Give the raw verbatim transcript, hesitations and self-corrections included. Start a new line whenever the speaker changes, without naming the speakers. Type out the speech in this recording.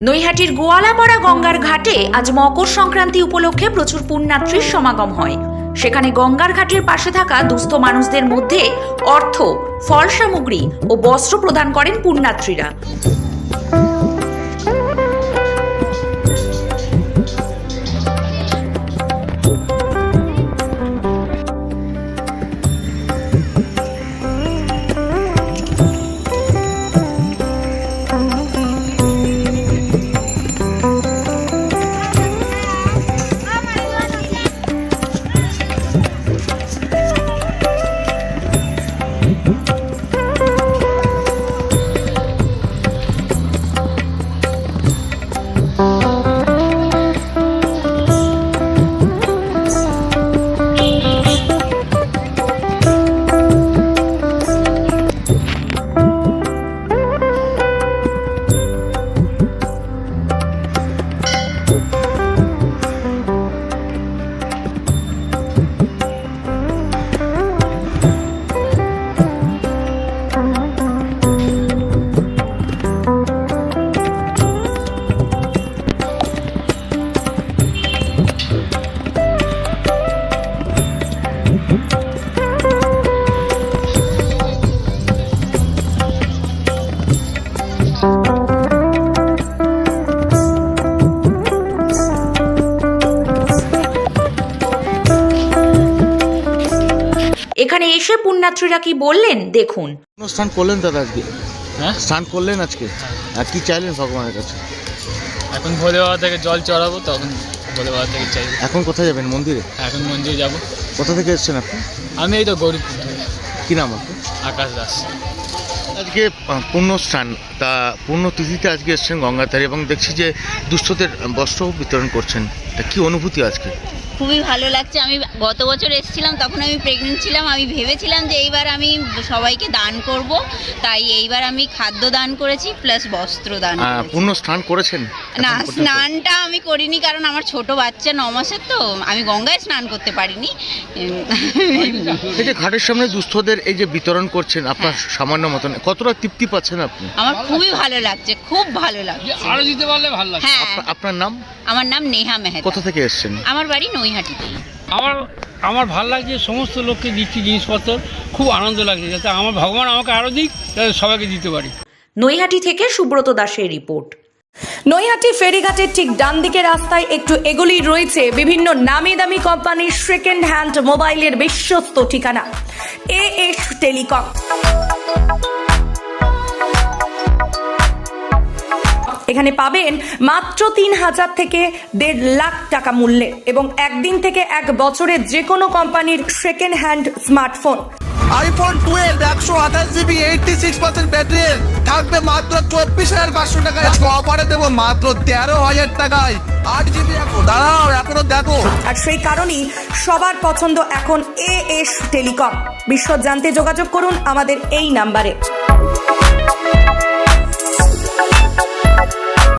নৈহাটির গোয়ালাপাড়া গঙ্গার ঘাটে আজ মকর সংক্রান্তি উপলক্ষে প্রচুর পুণ্যার্থীর সমাগম হয়। সেখানে গঙ্গার ঘাটের পাশে থাকা দুস্থ মানুষদের মধ্যে অর্থ, ফল সামগ্রী ও বস্ত্র প্রদান করেন পুণ্যার্থীরা। এখানে এসে পুণ্যার্থীরা কি বললেন দেখুন।
স্নান করলেন দাদা আজকে?
হ্যাঁ,
স্নান করলেন আজকে। আর কি চাইলেন ভগবানের কাছে?
এখন ভোলে বাবা থেকে জল চড়াবো, তখন ভোলে বাবা থেকে চাইবো।
এখন কোথায় যাবেন? মন্দিরে?
এখন মন্দিরে যাব।
কোথা থেকে এসেছেন আপনি?
আমি এই তো গৌরীপুর থেকে।
কি নাম আপনি?
আকাশ দাস।
আজকে পূর্ণ স্নান, তা পূর্ণ তিথিতে আজকে এসেছেন গঙ্গার ধারে এবং দেখছি যে দুস্থদের বস্ত্র বিতরণ করছেন, তা কি অনুভূতি আজকে?
খুবই ভালো লাগছে। আমি গত বছর এসেছিলাম, তখন আমি প্রেগনেন্ট ছিলাম। আমি ভেবেছিলাম যে এইবার আমি সবাইকে দান করব, তাই এইবার আমি খাদ্য দান করেছি প্লাস বস্ত্র দান করেছি।
পূর্ণ স্নান করেছেন?
না, স্নানটা আমি করিনি, কারণ আমার ছোট বাচ্চা ন মাসের, তো আমি গঙ্গায় স্নান করতে পারিনি।
এই যে ঘাটের সামনে দুস্থদের এই যে বিতরণ করছেন আপনার সামান্য মতন, কতটা তৃপ্তি পাচ্ছেন আপনি?
আমার খুবই ভালো লাগছে, খুব ভালো লাগছে।
আরো দিতে পারলে ভালো লাগবে।
হ্যাঁ,
আপনার নাম?
আমার নাম নেহা মেহতা।
কোথা থেকে এসেছেন?
আমার বাড়ি নৈহাটিতেই।
আমার আমার ভালো লাগছে, সমস্ত লোককে দিচ্ছি জিনিসপত্র, খুব আনন্দ লাগছে, যাতে আমার ভগবান আমাকে আরও দিক, যাতে সবাইকে দিতে পারি।
নৈহাটি থেকে সুব্রত দাসের রিপোর্ট।
নৈহাটি ফেরিঘাটের ঠিক ডান দিকে রাস্তায় একটু এগোলেই রয়েছে বিভিন্ন নামি দামি কোম্পানির সেকেন্ড হ্যান্ড মোবাইলের বিশ্বস্ত ঠিকানা এ এস টেলিকম। এখানে পাবেন মাত্র তিন হাজার থেকে দেড় লাখ টাকা মূল্যে এবং একদিন থেকে এক বছরের যে কোনো কোম্পানির second hand smartphone.
IPhone twelve একশো আঠাশ GB eighty six percent battery থাকবে মাত্র চব্বিশ হাজার পাঁচশো টাকায়। অফারে দেবো মাত্র তেরো হাজার টাকায় আট জিবি। দাঁড়াও, এখনো দেখো।
আর সেই কারণেই সবার পছন্দ এখন এ এস টেলিকম। বিশদ জানতে যোগাযোগ করুন আমাদের এই নাম্বারে।